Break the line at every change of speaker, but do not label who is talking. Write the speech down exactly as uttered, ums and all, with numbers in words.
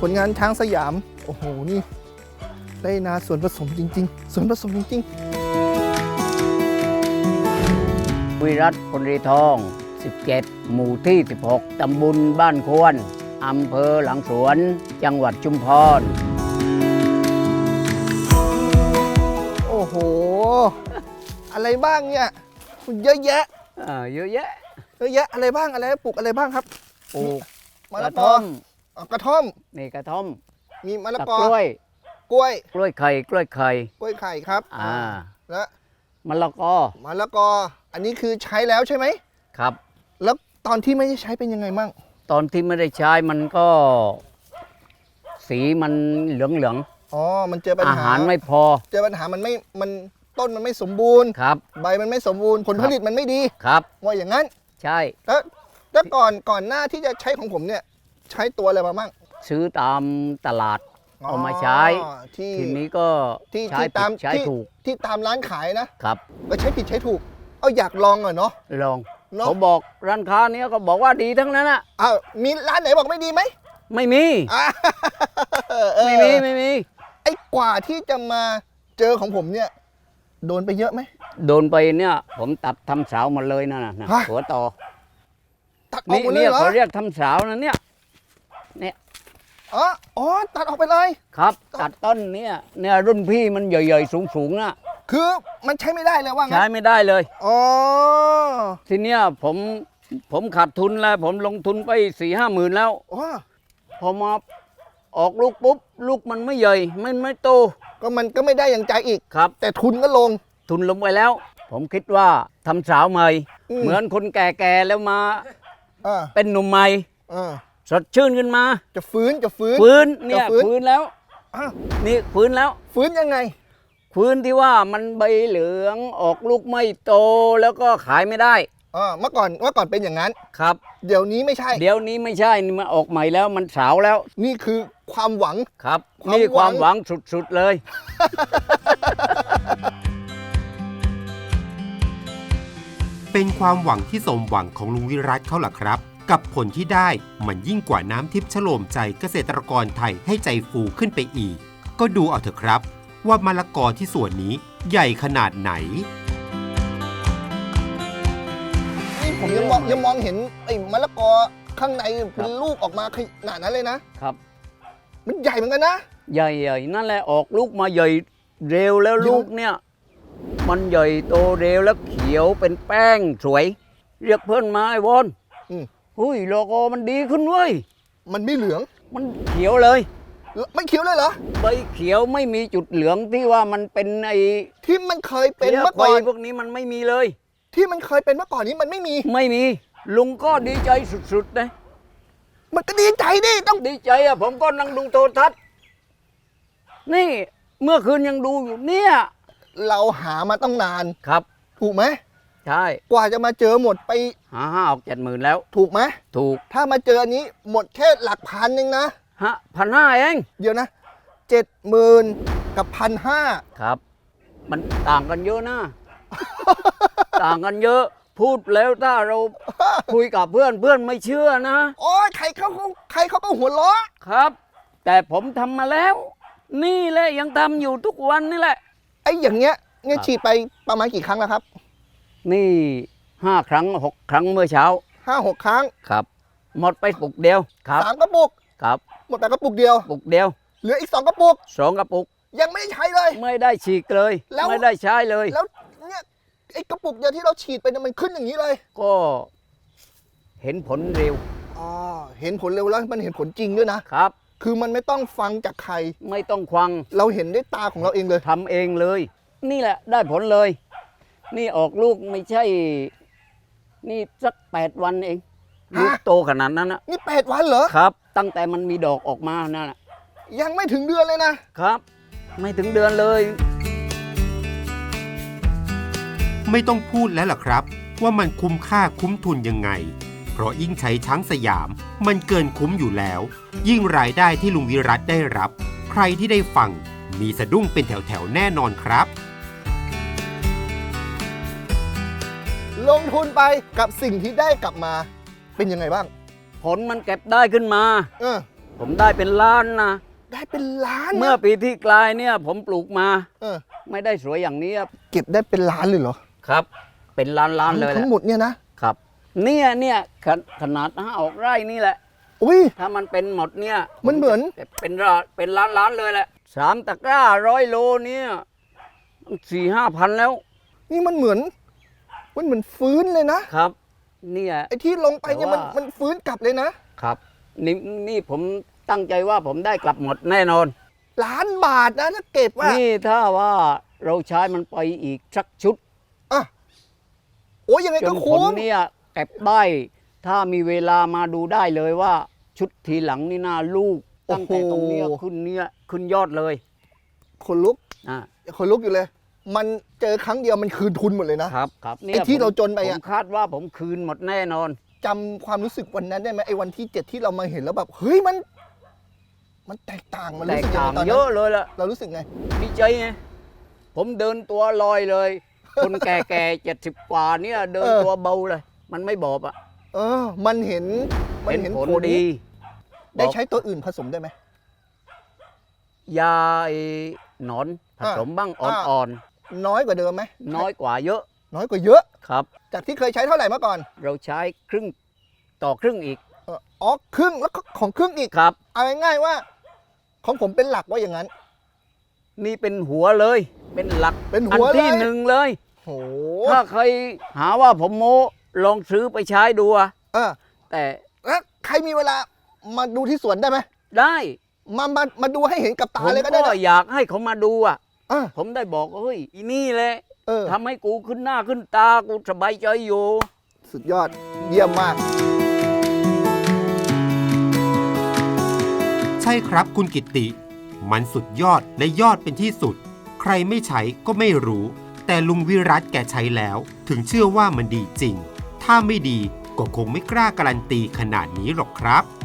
ผลงานช้างสยามโอ้โหนี่ได้นาส่วนผสมจริงๆส่วนผสมจริง
วิรัตพลรีทองสิบเจ็ดหมู่ที่สิบหกตำบลบ้านควรอำเภอหลังสวนจังหวัดชุมพร
โอ้โหอะไรบ้างเนี่ยเยอะแยะ
อ่าเยอะแยะ
เยอะแยะอะไรบ้างอะไรปลูกอะไรบ้างครับ
ปลูก
มะละกอกระท่อม
นี่กระท่อม
มีมะละกอก
ล้วย
กล้วย
กล้วยไข่กล้วยไข่
กล้วยไข่ครับ
อ่า
แล้ว
มะละกอ
มะละกออันนี้คือใช้แล้วใช่ไหม
ครับ
แล้วตอนที่ไม่ได้ใช้เป็นยังไงมั่ง
ตอนที่ไม่ได้ใช้มันก็ สีมันเหลืองเหลือง
อ๋อมันเจอปัญหา
อาหารไม่พอ
เจอปัญหามันไม่มันต้นมันไม่สมบูรณ์
ครับ
ใบมันไม่สมบูรณ์ผลผลิตมันไม่ดี
ครับ
ว่าอย่างนั้น
ใช่
แล้วแล้วก่อนก่อนหน้าที่จะใช้ของผมเนี่ยใช้ตัวอะไรมาบ้าง
ซื้อตามตลาดเอามาใช้ทีนี้ก็ใช้ผิดใช้ถูก
ที่ตามร้านขายนะครับก็ใช้ผิดใช้ถูกเอาอยากลองอ่ะเนาะ
ลองเขาบอกร้านค้าเนี้ยก็บอกว่าดีทั้งนั้นอ่ะ
อ้าวมีร้านไหนบอกไม่ดีไหม
ไม่มีไม่มีไม่มี
ไอ้กว่าที่จะมาเจอของผมเนี่ยโดนไปเยอะไหม
โดนไปเนี่ยผมตัดทำสาวหมดเลยนะนะหัวต่อ
ตัดออกหมดเลยเหรอ
เขาเรียกทำสาวนะเนี่ยเนี่ย
อ๋ออ๋อตัดออกไปเลย
ครับตัดต้นเนี่ยเนี่ยรุ่นพี่มันใหญ่ๆสูงๆนะ
คือมันใช้ไม่ได้เลยว่างั้น
ใช้ไม่ได้เลย
อ๋อ
ทีเนี้ยผมผมขาดทุนแล้วผมลงทุนไปสี่ห้าหมื่นแล้วพอมาออกลูกปุ๊บลูกมันไม่ใหญ่ไม่ไม่โต
ก็มันก็ไม่ได้อย่างใจอีก
ครับ
แต่ทุนก็ลง
ทุนลงไปแล้วผมคิดว่าทำสาวใหม่เหมือนคนแก่ๆแล้วมาเป็นหนุ่มใหม่สดชื่นขึ้นมา
จะฟื้นจะฟื้น
ฟื้นเนี่ยฟื้นแล้วนี่ฟื้นแล้ว
ฟื้นยังไง
ฟื้นที่ว่ามันใบเหลืองออกลูกไม่โตแล้วก็ขายไม่ได้
อ่าเมื่อก่อนเมื่อก่อนเป็นอย่างนั้น
ครับ
เดี๋ยวนี้ไม่ใช่
เดี๋ยวนี้ไม่ใช่นี่มันออกใหม่แล้วมันสาวแล้ว
นี่คือความหวัง
ครับนี่ความหวังสุดๆเลย
เป็นความหวังที่สมหวังของลุงวิรัตเขาล่ะครับกับผลที่ได้มันยิ่งกว่าน้ำทิพย์ฉโลมใจเกษตรกรไทยให้ใจฟูขึ้นไปอีกก็ดูเอาเถอะครับว่ามะละกอที่สวนนี้ใหญ่ขนาดไหน
นี่ผมยังมองยังมองเห็นไอ้มะละกอข้างในเป็นลูกออกมาขนาดนั้นเลยนะครับมันใหญ่เหมือนกันนะ
ใหญ่ๆนั่นแหละออกลูกมาใหญ่เร็วแล้วลูกเนี่ยมันใหญ่โตเร็วแล้วเขียวเป็นแป้งสวยเรียกเพื่อนมาไอ้วอนหุ้ยโลโก้มันดีขึ้นเว้ย
มันไม่เหลือง
มันเขียวเลย
ไม่เขียวเลยเหรอ
ใบเขียวไม่มีจุดเหลืองที่ว่ามันเป็นไอ้
ที่มันเคยเป็นเมื่อก่อน
พวกนี้มันไม่มีเลย
ที่มันเคยเป็นเมื่อก่อนนี้มันไม่มี
ไม่มีลุงก็ดีใจสุดๆนะ
มันก็ดีใจดิต้อง
ดีใจอ่ะผมก็นั่งดูโทรทัศน์นี่เมื่อคืนยังดูอยู่เนี่ย
เราหามาต้องนาน
ครับ
ถูกไหม
ใช่
กว่าจะมาเจอหมดไป
หาห้าออกเจ็ดหมื่นแล้ว
ถูกไหม
ถูก
ถ้ามาเจออันนี้หมดแค่หลักพันหนึ่งนะ
ฮะพันห้าเอง
เดี๋ยวนะเจ็ดหมื่นกับพันห้า
ครับมันต่างกันเยอะนะ ต่างกันเยอะพูดแล้วถ้าเราคุยกับเพื่อนเพื่อนไม่เชื่อนะ
โอ้ยใครเขาใครเขาก็หัวเราะ
ครับแต่ผมทำมาแล้วนี่แหละยังทำอยู่ทุกวันนี่แหละ
ไอ้อย่างเงี้ยเนี่ยฉีดไปประมาณกี่ครั้งแล้วครับ
นี่ห้าครั้งหกครั้งเมื่อเช้า
ห้าหกครั้ง
ครับหมดไปปุกเดียวครับ
สามกระปุก
ครับ
หมดไปกระปุกเดียว
ปุกเดียว
เหลืออีกสองกระปุก
สองกระปุก
ยังไม่ได้ใช้เลย
ไม่ได้ฉีดเลยไม่ได้ใช้เลย
แล้วเนี่ยไอ้กระปุกเดียวที่เราฉีดไปมันขึ้นอย่างนี้เลย
ก็เห็นผลเร็ว
อ๋อเห็นผลเร็วแล้วมันเห็นผลจริงด้วยนะครับคือมันไม่ต้องฟังจากใคร
ไม่ต้องฟัง
เราเห็นด้วยตาของเราเองเลย
ทำเองเลยนี่แหละได้ผลเลยนี่ออกลูกไม่ใช่นี่สักแปดวันเองลูกโตขนาดนั้นนะ
นี่แปดวันเหรอ
ครับตั้งแต่มันมีดอกออกมานั่นนะ
ยังไม่ถึงเดือนเลย
นะครับไม่ถึงเดือนเลย
ไม่ต้องพูดแล้วล่ะครับว่ามันคุ้มค่าคุ้มทุนยังไงเพราะยิ่งใช้ช้างสยามมันเกินคุ้มอยู่แล้วยิ่งรายได้ที่ลุงวิรัตได้รับใครที่ได้ฟังมีสะดุ้งเป็นแถวๆแน่นอนครับ
ลงทุนไปกับสิ่งที่ได้กลับมาเป็นยังไงบ้าง
ผลมันเก็บได้ขึ้นมา
เออ
ผมได้เป็นล้านนะ
ได้เป็นล้านนะ
เมื่อปีที่กลายเนี่ย ผมปลูกมา
เออ
ไม่ได้สวยอย่างนี้ครับ
เก็บได้เป็นล้านเลยเหรอ
ครับ เป็นล้านล้านๆเลยแห
ทั้
ละ
งหมดเนี่ยนะ
ครับ เนี่ยเนี่ยขนขนาดห้าออกไร่นี่แหละ
อุ้ย
ถ้ามันเป็นหมดเนี่ย
มันเหมือน
จะเป็นร้านเป็นล้านล้านๆเลยแหละสามตะกร้าร้อยโลเนี่ยสี่ห้าพันแล้ว
นี่มันเหมือน มันเหมือนฟื้นเลยนะ
ครับ เนี่ย
ไอ้ที่ลงไปเนี่ยมัน
แต่ว่า
มันฟื้นกลับเลยนะ
ครับนี่นี่ผมตั้งใจว่าผมได้กลับหมดแน่นอน
ล้านบาทนะถ้าเก็บว่า
นี่ถ้าว่าเราใช้มันไปอีกสักชุด
อ่ะโอ้ยยังไง
จ
ก็
นผล
คุ้ม
เนี่ยเก็บได้ถ้ามีเวลามาดูได้เลยว่า ชุดทีหลังนี่น่าลูก ตั้งแต่ตรงเนี้ยขึ้นเนี่ยขึ้นยอดเลย
คนลุก
อ่า
คนลุกอยู่เลย มันเจอครั้งเดียวมันคืนทุนหมดเลยนะครับ
ครับ
ไอ้ที่เราจนไป
ผ
อะ
มคาดว่าผมคืนหมดแน่นอน
จำความรู้สึกวันนั้นได้ไหมไอ้วันที่เจ็ดที่เรามาเห็นแล้วแบบเฮ้ยมัน มันแตกต่างมัน
แต
รู้
ก
สึกยัง
ต่าง
ไงตอน
เย
นั้
อะ
น
เลยล่ะ
เรารู้สึกไง
ดีใจไงผมเดินตัวลอยเลย คนแก่ๆเจ็ดสิบกว่าเนี่ยเดิน
เออ
ตัวเบาเลย มันไม่บอบอ่ะ
เออ มันเห็นมัน
เป็น
เห็น
ผล
ผล
ดี
ได้ใช้ตัวอื่นผสมได้ไหม
ยาไอ้หนอนผสมบ้าง
อ่า
อ่อน
น้อยกว่าเดิมไหม
ๆ น้อยกว่าเยอะ
น้อยกว่าเยอะ
ครับ
จากที่เคยใช้เท่าไหร่เมื่อก่อน
เราใช้ครึ่งต่อครึ่งอีก
เอออ๋อครึ่งแล้วก็ของครึ่งอีก
ครับ
เอาง่ายๆว่า ของผมเป็นหลักว่าอย่างนั้น
นี่เป็นหัวเลย เป็นหลัก
เป็น
อั
หัวเลย
ที่หนึ่งเลย
โห
ถ้าใครหาว่าผมโม้ลองซื้อไปใช้ดูอะ
เออ
แต่
แล้วใครมีเวลามาดูที่สวนได้ไหม
ได้
มามามาดูให้เห็นกับตา
ผม
เลยก็ได้
ก็
นะ
อยากให้เขามาดูอะ
อ่ะ
ผมได้บอกเฮ้ยอีนี่แหละ
เออ
ทำให้กูขึ้นหน้าขึ้นตากูสบายใจอยู่
สุดยอดเยี่ยมมาก
ใช่ครับคุณกิตติ มันสุดยอดและยอดเป็นที่สุด ใครไม่ใช้ก็ไม่รู้ แต่ลุงวิรัตแกใช้แล้ว ถึงเชื่อว่ามันดีจริง ถ้าไม่ดีก็คงไม่กล้าการันตีขนาดนี้หรอกครับ